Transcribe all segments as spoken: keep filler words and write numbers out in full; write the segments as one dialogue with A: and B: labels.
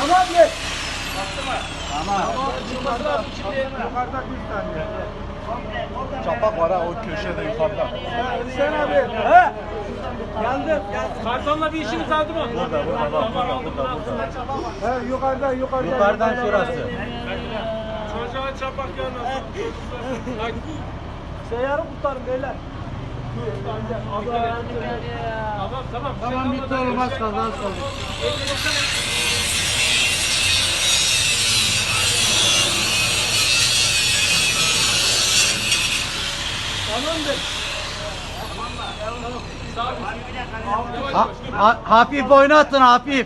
A: Tamam gel.
B: Tamam.
A: Yukarıda bir tane.
B: Çapak var ha o köşede yukarıda.
A: Sen abi. He? Geldim.
C: Kartonla bir işiniz kaldı mı?
B: Burada burada bak burada burada burada.
A: He yukarıda yukarıda.
B: Yukarıdan şurası.
C: Çocuğa çapak gelmez.
A: Seyyarı kurtarın beyler.
C: Tamam tamam.
A: Tamam bitti oğlum az kaldı az kaldı. Tamamdır.
B: Ha, ha, hafif oynattın hafif.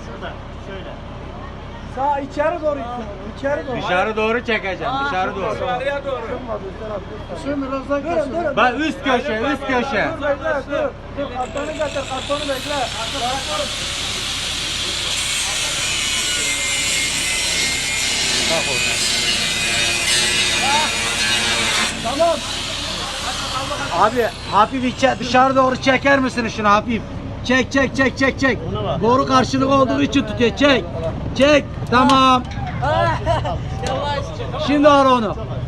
A: Sağ içeri doğru gitsin. İçeri doğru.
B: Dışarı doğru çekeceğim dışarı doğru.
C: Dışarıya doğru.
A: Şimdi birazdan durun durun.
B: Bak üst köşe üst köşe.
A: Dur bekle dur. Dur kartonu getir kartonu bekle. Tamam.
B: Abi hafif içe dışarı doğru çeker misin şunu hafif? Çek çek çek çek çek. Boru karşılık olduğu için tutuyor. Çek. Çek. Tamam. Şimdi ara onu.